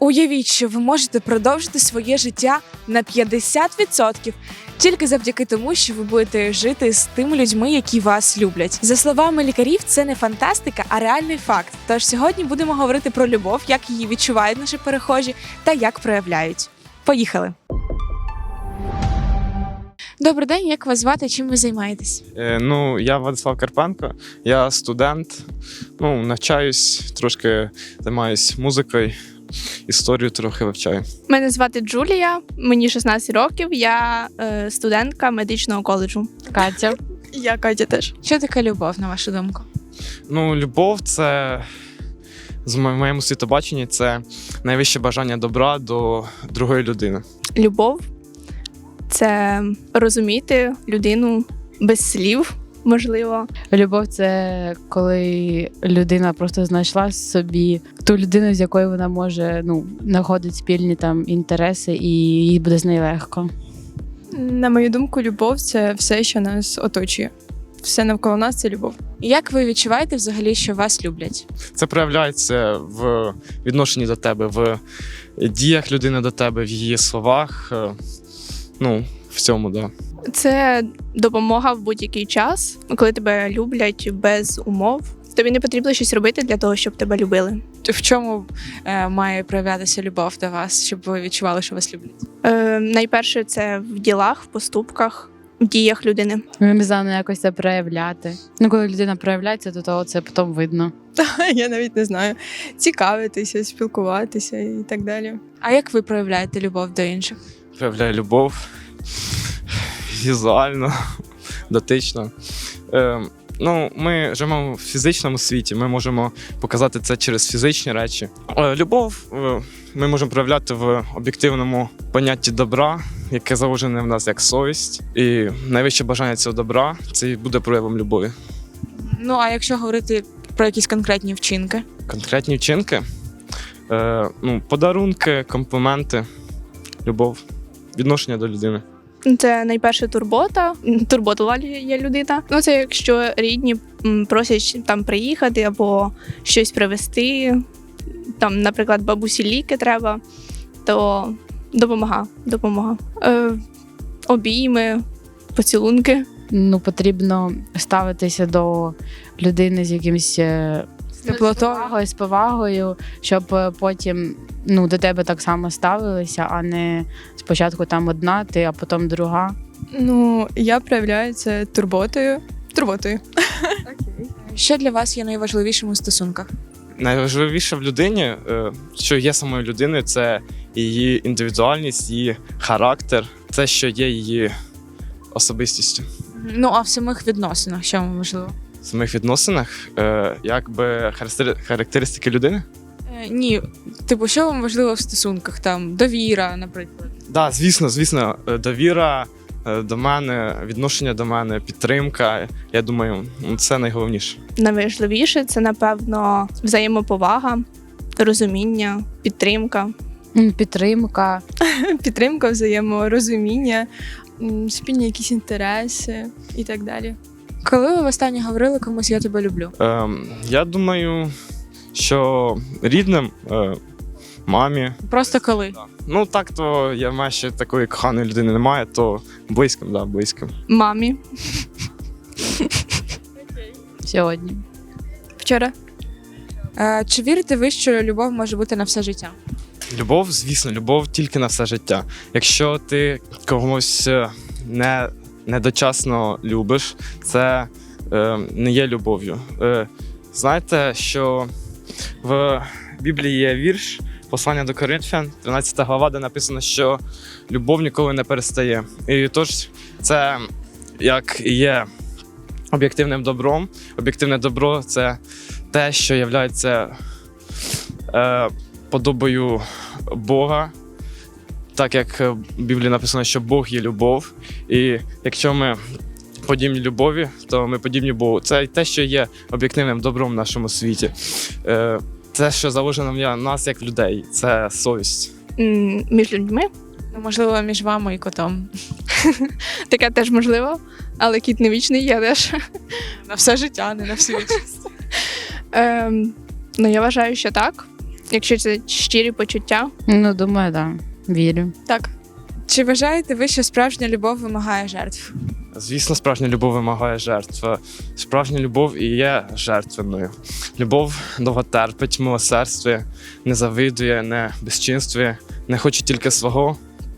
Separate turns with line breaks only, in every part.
Уявіть, що ви можете продовжити своє життя на 50% тільки завдяки тому, що ви будете жити з тими людьми, які вас люблять. За словами лікарів, це не фантастика, а реальний факт. Тож сьогодні будемо говорити про любов, як її відчувають наші перехожі та як проявляють. Поїхали! Добрий день, як вас звати, чим ви займаєтесь?
Я Владислав Карпенко, я студент, навчаюсь, трошки займаюсь музикою, історію трохи вивчаю.
Мене звати Джулія, мені 16 років, я студентка медичного коледжу.
Катя.
Я Катя теж.
Що таке любов, на вашу думку?
Любов – це, в моєму світобаченні, це найвище бажання добра до другої людини.
Любов – це розуміти людину без слів, можливо.
Любов – це коли людина просто знайшла собі ту людину, з якою вона може знаходити спільні інтереси, і їй буде з нею легко.
На мою думку, любов – це все, що нас оточує. Все навколо нас – це любов.
Як ви відчуваєте взагалі, що вас люблять?
Це проявляється в відношенні до тебе, в діях людини до тебе, в її словах, в цьому, да.
Це допомога в будь-який час, коли тебе люблять без умов. Тобі не потрібно щось робити для того, щоб тебе любили.
В чому має проявлятися любов до вас, щоб ви відчували, що вас люблять?
Найперше, це в ділах, в поступках, в діях людини.
Не знаю, якось це проявляти. Коли людина проявляється, то це потім видно.
Я навіть не знаю. Цікавитися, спілкуватися і так далі.
А як ви проявляєте любов до інших?
Проявляє любов візуально, дотично. Ми живемо в фізичному світі, ми можемо показати це через фізичні речі. Любов ми можемо проявляти в об'єктивному понятті добра, яке заложене в нас як совість. І найвище бажання цього добра – це і буде проявом любові.
А якщо говорити про якісь конкретні вчинки?
Конкретні вчинки? Подарунки, компліменти, любов, відношення до людини.
Це найперше турбота. Турботова є людина. Це якщо рідні просять приїхати або щось привезти, наприклад, бабусі ліки треба, то допомога. Обійми, поцілунки.
Потрібно ставитися до людини з якимось з повагою, щоб потім до тебе так само ставилися, а не спочатку одна ти, а потім друга.
Я проявляю це турботою.
Що для вас є найважливішим у стосунках?
Найважливіше в людині, що є самою людиною, це її індивідуальність, її характер, це, що є її особистістю.
А в самих відносинах, що вам важливо?
В самих відносинах, характеристики людини?
Ні, що вам важливо в стосунках? Довіра, наприклад.
Так, звісно, довіра до мене, відношення до мене, підтримка. Я думаю, це найголовніше.
Найважливіше – це, напевно, взаємоповага, розуміння, підтримка.
Підтримка, взаєморозуміння, спільні якісь інтереси і так далі.
Коли ви востаннє говорили комусь «я тебе люблю»?
Я думаю, що рідним, мамі.
Просто коли?
Так, то я маю ще такої коханої людини немає, то близьким.
Мамі.
Сьогодні.
Вчора.
Чи вірите ви, що любов може бути на все життя?
Любов, звісно, любов тільки на все життя. Якщо ти когось недочасно любиш, це не є любов'ю. Знаєте, що в Біблії є вірш «Послання до Коринфян», 13 глава, де написано, що любов ніколи не перестає. І тож це як і є об'єктивним добром. Об'єктивне добро – це те, що є подобою Бога. Так як в Біблії написано, що Бог є любов. І якщо ми подібні любові, то ми подібні Богу. Це те, що є об'єктивним добром в нашому світі. Це, що заложено в нас як людей, це совість.
Між людьми?
Можливо, між вами і котом.
Таке теж можливо, але кіт не вічний, я теж.
На все життя, не на всю вічність.
Я вважаю, що так. якщо це щирі почуття.
Ну, думаю, так. Да. Вірю.
Так.
Чи вважаєте ви, що справжня любов вимагає жертв?
Звісно, справжня любов вимагає жертв. Справжня любов і є жертвенною. Любов довго терпить, милосердствує, не завидує, не безчинствує, не хоче тільки свого.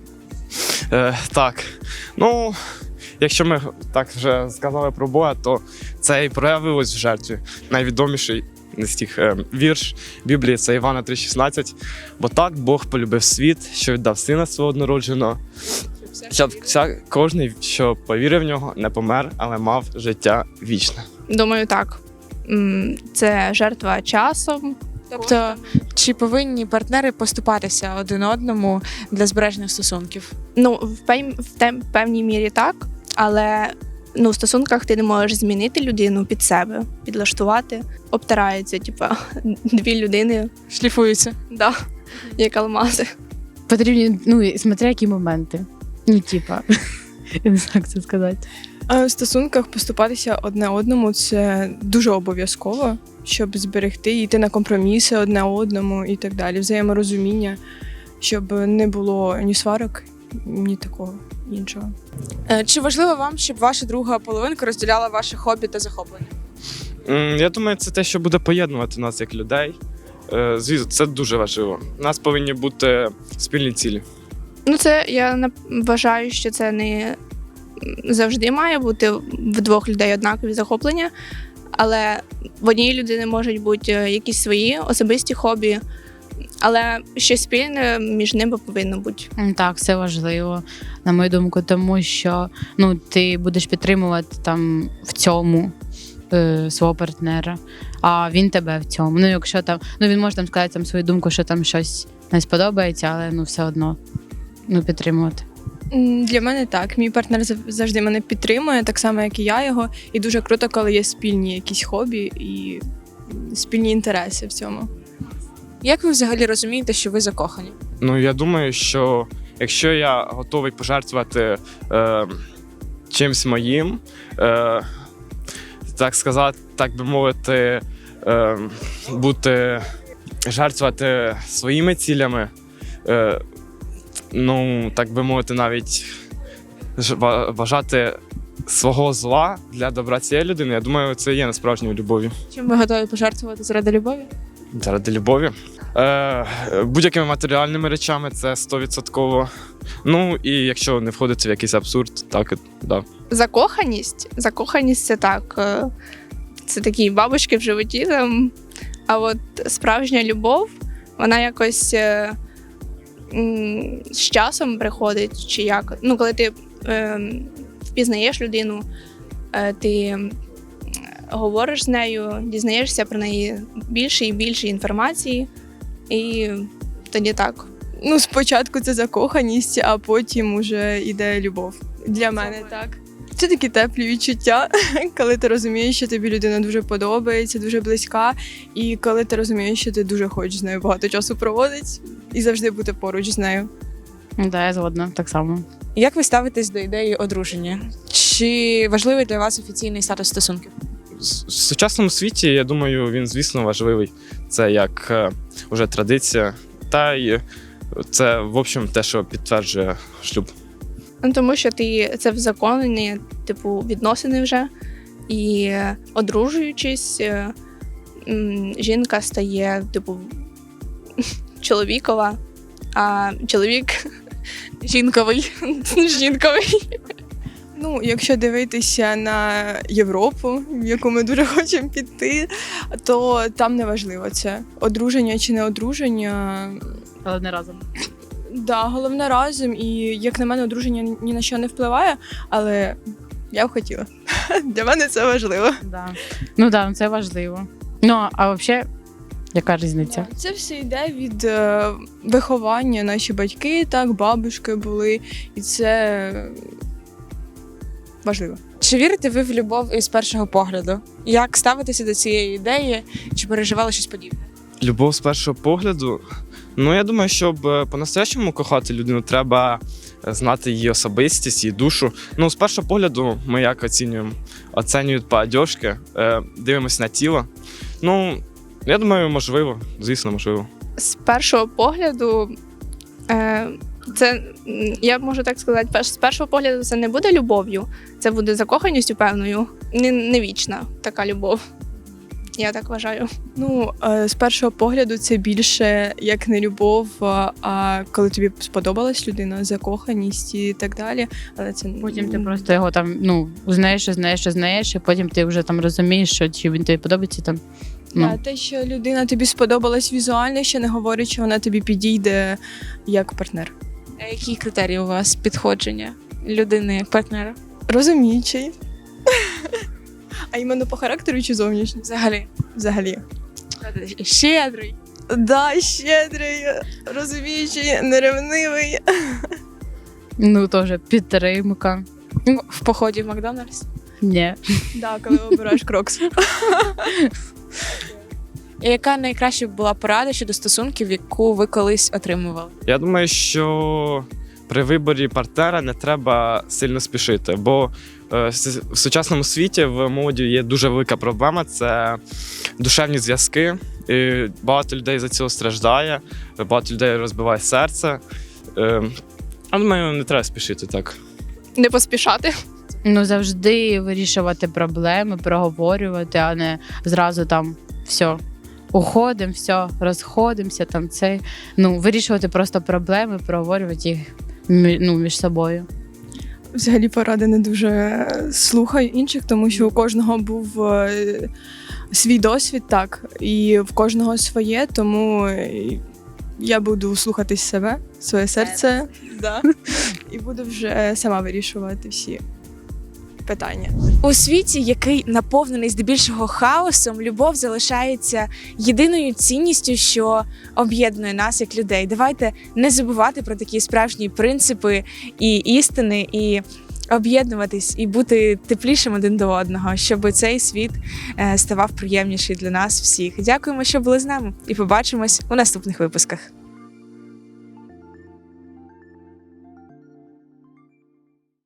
Так, ну, якщо ми так вже сказали про Бога, то це і проявилось в жертві. Найвідоміший з тих вірш Біблії – це Івана 3,16. «Бо так Бог полюбив світ, що віддав Сина Свого однородженого, щоб кожен, що повірив в нього, не помер, але мав життя вічне».
Думаю, так. Це жертва часом.
Тобто, чи повинні партнери поступатися один одному для збереження стосунків?
Ну, в певній мірі так, але в стосунках ти не можеш змінити людину під себе, підлаштувати. Обтираються, дві людини,
Шліфуються.
да, як алмази.
Потрібні, ну, смотря які моменти. Ну, типа, я не знаю, як це сказати.
А в стосунках поступатися одне одному це дуже обов'язково, щоб зберегти, йти на компроміси одне одному і так далі. Взаєморозуміння, щоб не було ні сварок, ні такого іншого.
Чи важливо вам, щоб ваша друга половинка розділяла ваші хобі та захоплення?
Я думаю, це те, що буде поєднувати нас як людей. Звісно, це дуже важливо. У нас повинні бути спільні цілі.
Ну, це я вважаю, що це не завжди має бути в двох людей однакові захоплення, але в одній людини можуть бути якісь свої особисті хобі, але щось спільне між ними повинно бути.
Так, це важливо, на мою думку, тому що ну, ти будеш підтримувати там в цьому свого партнера, а він тебе в цьому. Ну, якщо там, ну він може там сказати там свою думку, що там щось не сподобається, але ну все одно підтримувати.
Для мене так. Мій партнер завжди мене підтримує, так само, як і я його. І дуже круто, коли є спільні якісь хобі і спільні інтереси в цьому.
Як ви взагалі розумієте, що ви закохані?
Ну, я думаю, що якщо я готовий пожертвувати чимсь моїм, так сказати, так би мовити, жертвувати своїми цілями, ну, так би мовити, навіть вважати свого зла для добра цієї людини, я думаю, це є насправжньою любов'ю.
Чим ви готові пожертвувати заради любові?
Заради любові. Будь-якими матеріальними речами це 100%. Ну, і якщо не входити в якийсь абсурд, так, да.
Закоханість це так. Це такі бабочки в животі там. А от справжня любов, вона якось з часом приходить, чи як. Ну, коли ти впізнаєш людину, ти говориш з нею, дізнаєшся про неї більше і більше інформації, і тоді так.
Ну, спочатку це закоханість, а потім уже йде любов. Для мене так. Це такі теплі відчуття, коли ти розумієш, що тобі людина дуже подобається, дуже близька, і коли ти розумієш, що ти дуже хочеш з нею багато часу проводити і завжди бути поруч з нею.
Да, я згодна, так само.
Як ви ставитесь до ідеї одруження? Чи важливий для вас офіційний статус стосунків?
В сучасному світі, я думаю, він, звісно, важливий. Це як уже традиція, та й це, в общем, те, що підтверджує шлюб.
Ну, тому що це взаконені, відносини вже. І одружуючись, жінка стає, чоловікова, а чоловік жінковий.
Ну, якщо дивитися на Європу, в яку ми дуже хочемо піти, то там не важливо це. Одруження чи не одруження.
Але не разом.
Да, головне разом. І, як на мене, одруження ні на що не впливає, але я б хотіла. Для мене це важливо.
Да. Ну так, да, це важливо. Ну, а взагалі, яка різниця?
Це все йде від виховання. Наші батьки, так, бабушки були, і це важливо.
Чи вірите ви в любов із першого погляду? Як ставитеся до цієї ідеї? Чи переживали щось подібне?
Любов з першого погляду. Ну, я думаю, щоб по-настоящему кохати людину, треба знати її особистість, її душу. Ну, з першого погляду ми як оцінюємо? Оцінюють по одежці, дивимося на тіло. Ну, я думаю, можливо, звісно, можливо.
З першого погляду, це, я можу так сказати, з першого погляду це не буде любов'ю, це буде закоханістю певною, не вічна така любов. Я так вважаю.
Ну, з першого погляду це більше як не любов, а коли тобі сподобалась людина, закоханість і так далі. Але це
Потім ти просто його там знаєш, і потім ти вже там розумієш, що чи він тобі подобається там.
Да, те, що людина тобі сподобалась візуально, ще не говорить, що вона тобі підійде як партнер.
А які критерії у вас підходження людини як партнера?
Розуміючий. А іменно по характеру чи зовнішньо?
Взагалі.
Взагалі.
Щедрий.
Да, щедрий, розуміючий, неревнивий.
Ну, теж підтримка.
В поході в Макдональдс.
Ні.
Да, коли обираєш крокс.
І яка найкраща була порада щодо стосунків, яку ви колись отримували?
Я думаю, що при виборі партнера не треба сильно спішити, бо в сучасному світі в молоді є дуже велика проблема – це душевні зв'язки. І багато людей за цього страждає, багато людей розбиває серце. Я думаю, не треба спішити так.
Не поспішати.
Ну, завжди вирішувати проблеми, проговорювати, а не зразу там все. Уходимо, все, розходимося, там це. Ну, вирішувати просто проблеми, проговорювати їх між собою.
Взагалі поради не дуже слухаю інших, тому що у кожного був свій досвід, так, і в кожного своє, тому я буду слухати себе, своє серце, да, і буду вже сама вирішувати всі питання.
У світі, який наповнений здебільшого хаосом, любов залишається єдиною цінністю, що об'єднує нас як людей. Давайте не забувати про такі справжні принципи і істини, і об'єднуватись, і бути теплішим один до одного, щоб цей світ ставав приємніший для нас всіх. Дякуємо, що були з нами, і побачимось у наступних випусках.